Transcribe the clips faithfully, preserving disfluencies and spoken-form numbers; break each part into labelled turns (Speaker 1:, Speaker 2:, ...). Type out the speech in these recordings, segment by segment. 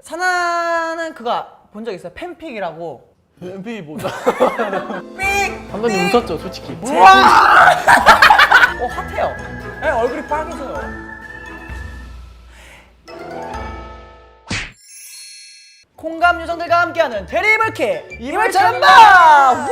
Speaker 1: 사나는 그거 본 적 있어요? 팬픽이라고.
Speaker 2: 엠피 뭐다?
Speaker 1: 삑!
Speaker 2: 감독님 웃었죠, 솔직히.
Speaker 1: 우와! 어, 핫해요. 네, 얼굴이 빨개져요. 콩감 요정들과 함께하는 대리이불킥 이불 전방!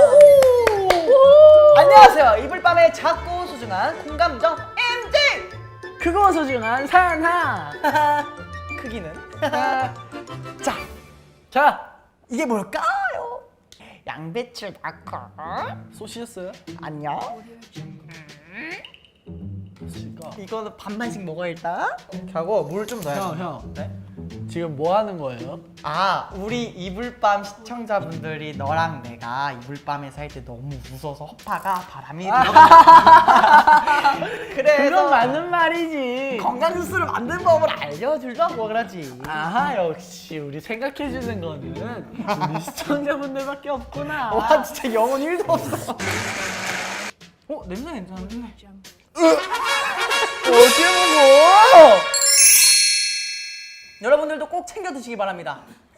Speaker 1: 안녕하세요. 이불밤의 작고 소중한 콩감 요정 엠지!
Speaker 2: 크고 소중한 산하.
Speaker 1: 크기는?
Speaker 2: 자, 자,
Speaker 1: 이게 뭘까요? 양배추 넣고
Speaker 2: 쏘시셨어요?
Speaker 1: 안녕. 이거는 반반씩 먹어 일단. 이렇게 하고 물 좀 넣어야
Speaker 2: 형,
Speaker 1: 돼.
Speaker 2: 형.
Speaker 1: 네?
Speaker 2: 지금 뭐 하는 거예요?
Speaker 1: 아, 우리 이불밤 시청자분들이 너랑 내가 이불밤에서 할 때 너무 웃어서 허파가 바람이 들어가. 그래서
Speaker 2: 그건 맞는 말이지.
Speaker 1: 건강 뉴스를 만드는 법을 알려주려고 그러지.
Speaker 2: 아하, 역시 우리 생각해주는 거는 우리 시청자분들밖에 없구나.
Speaker 1: 와, 진짜 영혼 일도 없어. 어, 냄새 괜찮은데?
Speaker 2: 어떻게 먹어?
Speaker 1: 여러분들도 꼭 챙겨 드시기 바랍니다.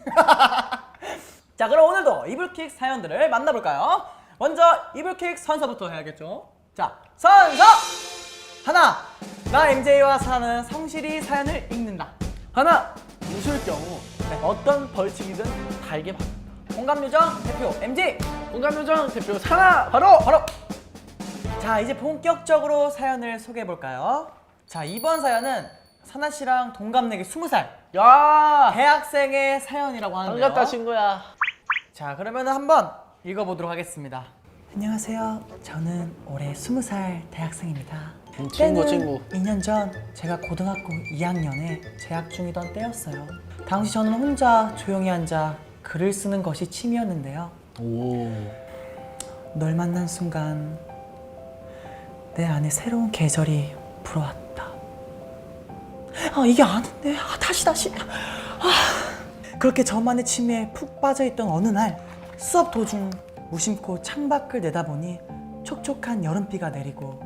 Speaker 1: 자, 그럼 오늘도 이불킥 사연들을 만나볼까요? 먼저 이불킥 선서부터 해야겠죠? 자, 선서! 하나! 나 엠제이와 사는 성실히 사연을 읽는다.
Speaker 2: 하나, 웃을 경우 어떤 벌칙이든 달게 받는다.
Speaker 1: 공감요정 대표 엠지!
Speaker 2: 공감요정 대표 산하 바로!
Speaker 1: 바로! 자, 이제 본격적으로 사연을 소개해볼까요? 자, 이번 사연은 사나 씨랑 동갑내기 스무 살
Speaker 2: 야,
Speaker 1: 대학생의 사연이라고 하는데요.
Speaker 2: 반갑다 친구야.
Speaker 1: 자, 그러면 한번 읽어보도록 하겠습니다. 안녕하세요. 저는 올해 스무 살 대학생입니다.
Speaker 2: 음, 친구,
Speaker 1: 때는
Speaker 2: 친구.
Speaker 1: 이 년 전 제가 고등학교 이 학년에 재학 중이던 때였어요. 당시 저는 혼자 조용히 앉아 글을 쓰는 것이 취미였는데요.
Speaker 2: 오.
Speaker 1: 널 만난 순간 내 안에 새로운 계절이 불어왔다. 아, 이게 아닌데. 아, 다시 다시. 아. 그렇게 저만의 취미에 푹 빠져있던 어느 날 수업 도중 무심코 창밖을 내다보니 촉촉한 여름비가 내리고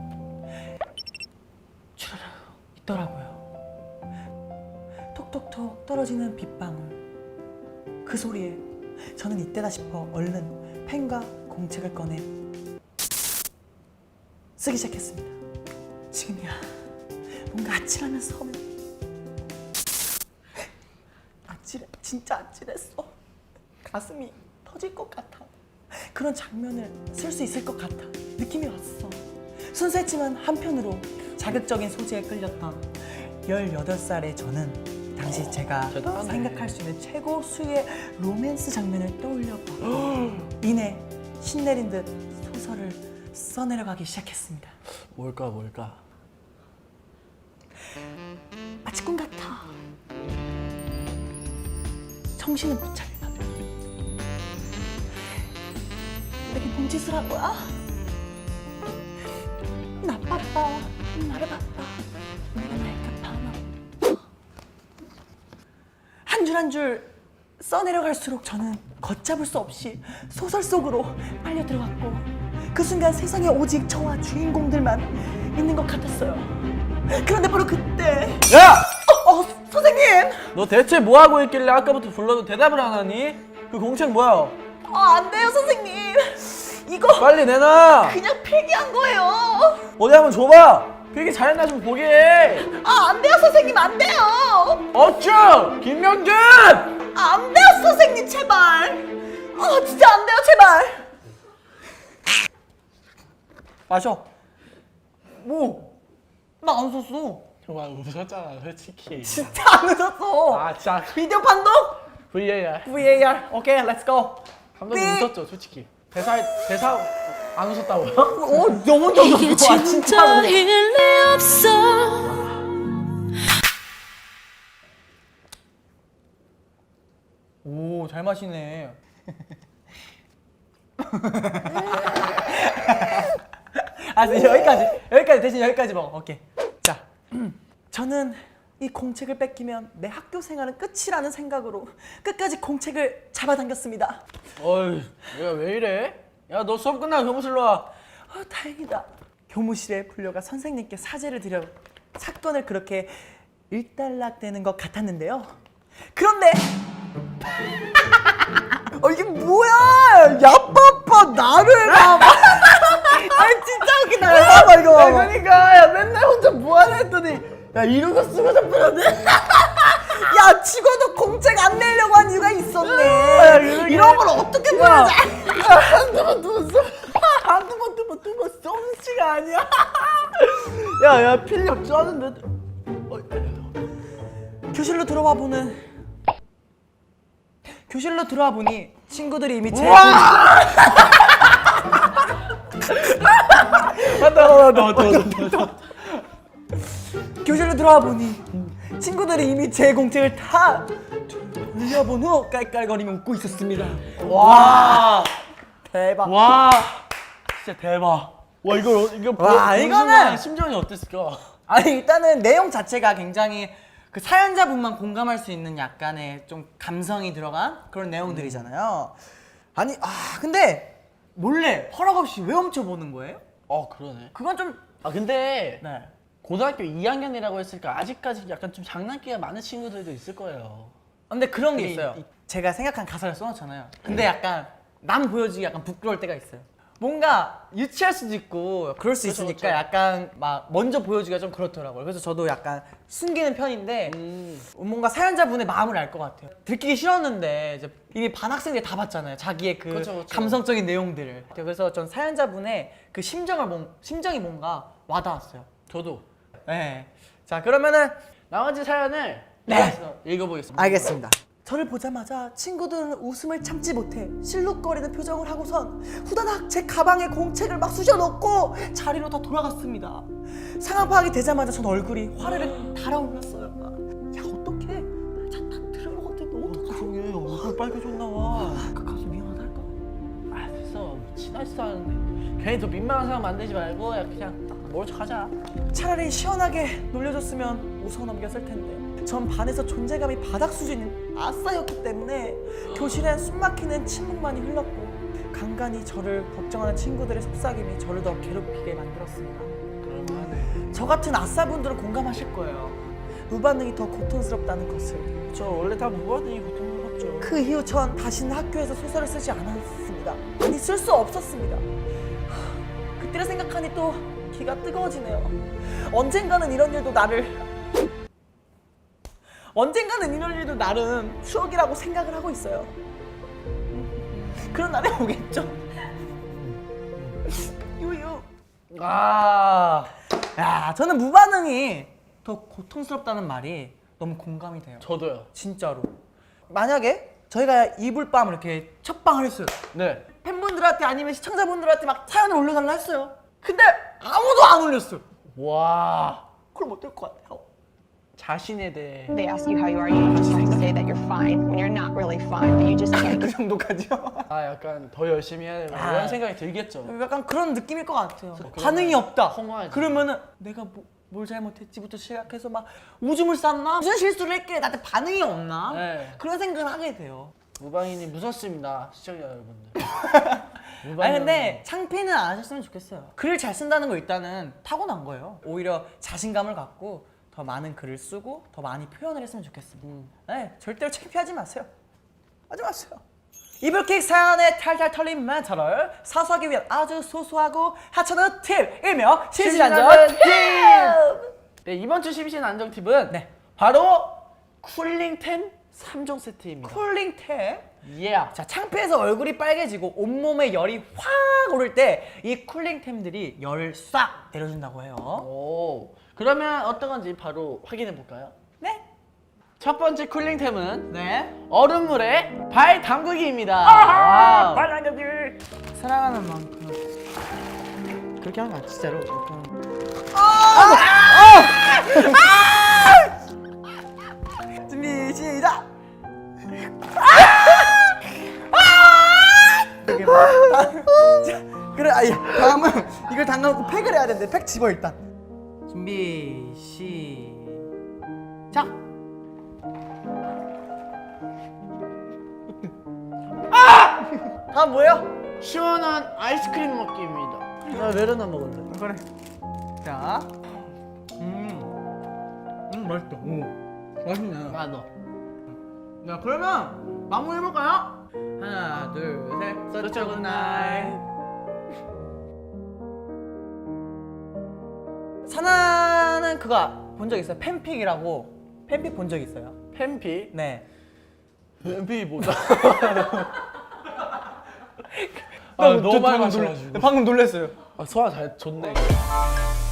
Speaker 1: 주르르 있더라고요. 톡톡톡 떨어지는 빗방울. 그 소리에 저는 이때다 싶어 얼른 펜과 공책을 꺼내 쓰기 시작했습니다. 지금이야. 뭔가 아찔하면서 서면 아찔해. 진짜 아찔했어. 가슴이 터질 것 같아. 그런 장면을 쓸 수 있을 것 같아. 느낌이 왔어. 순수했지만 한편으로 자극적인 소재에 끌렸던 열여덟 살의 저는 당시 제가
Speaker 2: 대단하네.
Speaker 1: 생각할 수 있는 최고 수의 로맨스 장면을 떠올려봐 이내 신내린 듯 소설을 써내려가기 시작했습니다.
Speaker 2: 뭘까, 뭘까?
Speaker 1: 마치 꿈 같아. 정신은 못 차리다. 내게 뭔 짓을 한 거야? 나빴다. 나를 봤다. 내가 날까 봐. 한 줄 한 줄 써내려갈수록 저는 걷잡을 수 없이 소설 속으로 빨려 들어갔고 그 순간 세상에 오직 저와 주인공들만 있는 것 같았어요. 그런데 바로 그때
Speaker 2: 야!
Speaker 1: 어, 어 선생님!
Speaker 2: 너 대체 뭐 하고 있길래 아까부터 불러도 대답을 안 하니? 그 공책 뭐야?
Speaker 1: 아, 안 돼요 선생님. 이거
Speaker 2: 빨리 내놔.
Speaker 1: 그냥 필기한 거예요.
Speaker 2: 어디 한번 줘봐. 필기 잘했나 좀 보게 해.
Speaker 1: 아, 안 돼요 선생님. 안 돼요.
Speaker 2: 어쭈! 김명준!
Speaker 1: 아, 안 돼요 선생님. 제발. 아, 진짜 안 돼요. 제발. 마셔. 뭐? 나 안 웃었어.
Speaker 2: 정말 웃었잖아 솔직히.
Speaker 1: 진짜 안 웃었어.
Speaker 2: 아 진짜
Speaker 1: 비디오 판독?
Speaker 2: 브이에이알.
Speaker 1: 브이에이알. 오케이, 렛츠 고.
Speaker 2: 감독님
Speaker 1: 삐.
Speaker 2: 웃었죠 솔직히. 대사 대사 안 웃었다고요?
Speaker 1: 어, 너무 너무
Speaker 3: 이게
Speaker 1: 좋아 진짜로.
Speaker 3: 진짜일 리 없어.
Speaker 1: 오, 잘 마시네. 아, 여기까지. 여기까지 대신 여기까지 먹어. 오케이. 자, 저는 이 공책을 뺏기면 내 학교 생활은 끝이라는 생각으로 끝까지 공책을 잡아당겼습니다.
Speaker 2: 어이 얘가 왜 이래? 야 너 수업 끝나고 교무실로 와.
Speaker 1: 어, 다행이다. 교무실에 불려가 선생님께 사죄를 드려 사건을 그렇게 일단락되는 것 같았는데요. 그런데 어 이게 뭐야? 야빠빠 나를 봐봐. 아니 진짜 웃기다. 봐봐 이거
Speaker 2: 야,
Speaker 1: 봐봐.
Speaker 2: 그러니까 야 맨날 혼자 뭐하나 했더니 야 이러고 쓰고 잡혔네.
Speaker 1: 야 죽어도 공책 안 내려고 한 이유가 있었네.
Speaker 2: 야, 그러게.
Speaker 1: 이런 걸 어떻게 보여줘?
Speaker 2: 한두 번 두번 써. 한두 번 두번 두번 솜씨가 아니야. 야야 필력 쩌는데. 어,
Speaker 1: 교실로 들어와 보는 교실로 들어와 보니 친구들이 이미 제
Speaker 2: 와! 맞다 맞다 맞다 맞다.
Speaker 1: 교실로 들어와 보니 친구들이 이미 제 공책을 다 돌려본 후 깔깔거리며 웃고 있었습니다.
Speaker 2: 와.
Speaker 1: 대박.
Speaker 2: 와. 진짜 대박. 와 이걸 어- 이거
Speaker 1: 와,
Speaker 2: 보-
Speaker 1: 이거는-
Speaker 2: 보는 심정이 어땠을까?
Speaker 1: 아니 일단은 내용 자체가 굉장히 그 사연자분만 공감할 수 있는 약간의 좀 감성이 들어간 그런 내용들이잖아요. 아니 아 근데 몰래 허락 없이 왜 훔쳐보는 거예요?
Speaker 2: 어 그러네.
Speaker 1: 그건 좀
Speaker 2: 아 근데
Speaker 1: 네.
Speaker 2: 고등학교 이 학년이라고 했으니까 아직까지 약간 좀 장난기가 많은 친구들도 있을 거예요.
Speaker 1: 근데 그런 게
Speaker 2: 근데
Speaker 1: 있어요.
Speaker 2: 이-
Speaker 1: 제가 생각한 가사를 써놓잖아요. 근데 약간 남 보여주기 약간 부끄러울 때가 있어요. 뭔가 유치할 수도 있고 그럴 수
Speaker 2: 그쵸,
Speaker 1: 있으니까
Speaker 2: 그쵸.
Speaker 1: 약간 막 먼저 보여주기가 좀 그렇더라고요. 그래서 저도 약간 숨기는 편인데
Speaker 2: 음.
Speaker 1: 뭔가 사연자분의 마음을 알 것 같아요. 들키기 싫었는데 이제 이미 반 학생들이 다 봤잖아요. 자기의 그
Speaker 2: 그쵸, 그쵸.
Speaker 1: 감성적인 내용들을. 그래서 전 사연자분의 그 심정을 뭔 심정이 뭔가 와닿았어요.
Speaker 2: 저도
Speaker 1: 네. 자 그러면은
Speaker 2: 나머지 사연을
Speaker 1: 네.
Speaker 2: 이어서 읽어보겠습니다.
Speaker 1: 알겠습니다. 저를 보자마자 친구들은 웃음을 참지 못해 실룩거리는 표정을 하고선 후다닥 제 가방에 공책을 막 쑤셔 넣고 자리로 다 돌아갔습니다. 상황 파악이 되자마자 전 얼굴이 화를 달아올랐어요. 야 어떡해? 자다 들은 것 같아. 너 어떡해?
Speaker 2: 그러게 얼굴 빨개졌나 봐.
Speaker 1: 그 가서 미안하다 할까?
Speaker 2: 아 됐어 친하지도 않은데 괜히 더 민망한 상황 만들지 말고 야 그냥 모른 척하자.
Speaker 1: 차라리 시원하게 놀려줬으면 웃어 넘겼을 텐데 전 반에서 존재감이 바닥 수준인 아싸였기 때문에 교실엔 숨막히는 침묵만이 흘렀고 간간히 저를 걱정하는 친구들의 속삭임이 저를 더 괴롭히게 만들었습니다.
Speaker 2: 그럴만하네.
Speaker 1: 저 같은 아싸분들은 공감하실 거예요. 무반응이 더 고통스럽다는 것을.
Speaker 2: 저 원래 다 무반응이 고통스럽죠.
Speaker 1: 그 이후 전 다시는 학교에서 소설을 쓰지 않았습니다. 아니 쓸 수 없었습니다. 하, 그때를 생각하니 또 기가 뜨거워지네요. 언젠가는 이런 일도 나를 언젠가는 이런 일도 나름 추억이라고 생각을 하고 있어요. 그런 날이 오겠죠. 유유.
Speaker 2: 아
Speaker 1: 야, 저는 무반응이 더 고통스럽다는 말이 너무 공감이 돼요.
Speaker 2: 저도요.
Speaker 1: 진짜로. 만약에 저희가 이불밤을 이렇게 첫방을 했어요.
Speaker 2: 네.
Speaker 1: 팬분들한테 아니면 시청자분들한테 막 사연을 올려달라 했어요. 근데 아무도 안 올렸어요.
Speaker 2: 와
Speaker 1: 그럼 어떨 것 같아요?
Speaker 2: 자신에 대해
Speaker 3: They ask you how you are, you just have to say that you're fine when you're not really fine, but you just can't
Speaker 1: 그 정도까지요?
Speaker 2: 아 약간 더 열심히 해야 되나
Speaker 1: 아.
Speaker 2: 이런 생각이 들겠죠.
Speaker 1: 약간 그런 느낌일 것 같아요.
Speaker 2: 그러면
Speaker 1: 반응이 없다.
Speaker 2: 허무하지.
Speaker 1: 그러면은 내가 뭐, 뭘 잘못했지부터 시작해서 막 오줌을 쌌나? 무슨 실수를 했길래 나한테 반응이 없나?
Speaker 2: 네.
Speaker 1: 그런 생각을 하게 돼요.
Speaker 2: 무방인이 무섭습니다 시청자 여러분들.
Speaker 1: 아니 근데 창피는 안 하셨으면 좋겠어요. 글을 잘 쓴다는 거 일단은 타고난 거예요. 오히려 자신감을 갖고 더 많은 글을 쓰고 더 많이 표현을 했으면 좋겠습니다.
Speaker 2: 음.
Speaker 1: 네, 절대로 창피하지 마세요. 하지 마세요. 이불킥 사연의 탈탈 털린 멘트를 사수하기 위한 아주 소소하고 하찮은 팁 일명 실시간전 팁!
Speaker 2: 네 이번 주 심신 안정 팁은
Speaker 1: 네.
Speaker 2: 바로 쿨링템 삼 종 세트입니다.
Speaker 1: 쿨링템.
Speaker 2: 예.
Speaker 1: 자, 창피해서 얼굴이 빨개지고 온몸에 열이 확 오를 때 이 쿨링템들이 열을 싹 내려준다고 해요.
Speaker 2: 오. 그러면 어떤 건지 바로 확인해 볼까요?
Speaker 1: 네.
Speaker 2: 첫 번째 쿨링템은
Speaker 1: 네.
Speaker 2: 얼음물에 발 담그기입니다. 와우.
Speaker 1: 빨간색들 사랑하는 만큼 그렇게 하는 거야 진짜로. 준비 시작. 이렇게 막 다- 자, 그래 아니 다음은 이걸 담가놓고 팩을 해야 되는데 팩 집어 일단. 준비 시작. 다음 뭐예요?
Speaker 2: 시원한 아이스크림 먹기입니다. 나 메로나 먹었는데.
Speaker 1: 그래. 자, 음, 음 맛있다. 오, 맛있네.
Speaker 2: 아 너. 야 그러면 마무리 해볼까요? 하나 둘셋 서치 굿나잇.
Speaker 1: 사나는 그거 본 적 있어요? 팬픽이라고. 팬픽 본 적 있어요?
Speaker 2: 팬피
Speaker 1: 네.
Speaker 2: 팬피 뭐다?
Speaker 4: 아, 너무 많이 마셔가지고.
Speaker 1: 방금 놀랐어요.
Speaker 4: 아, 소화 잘 좋네.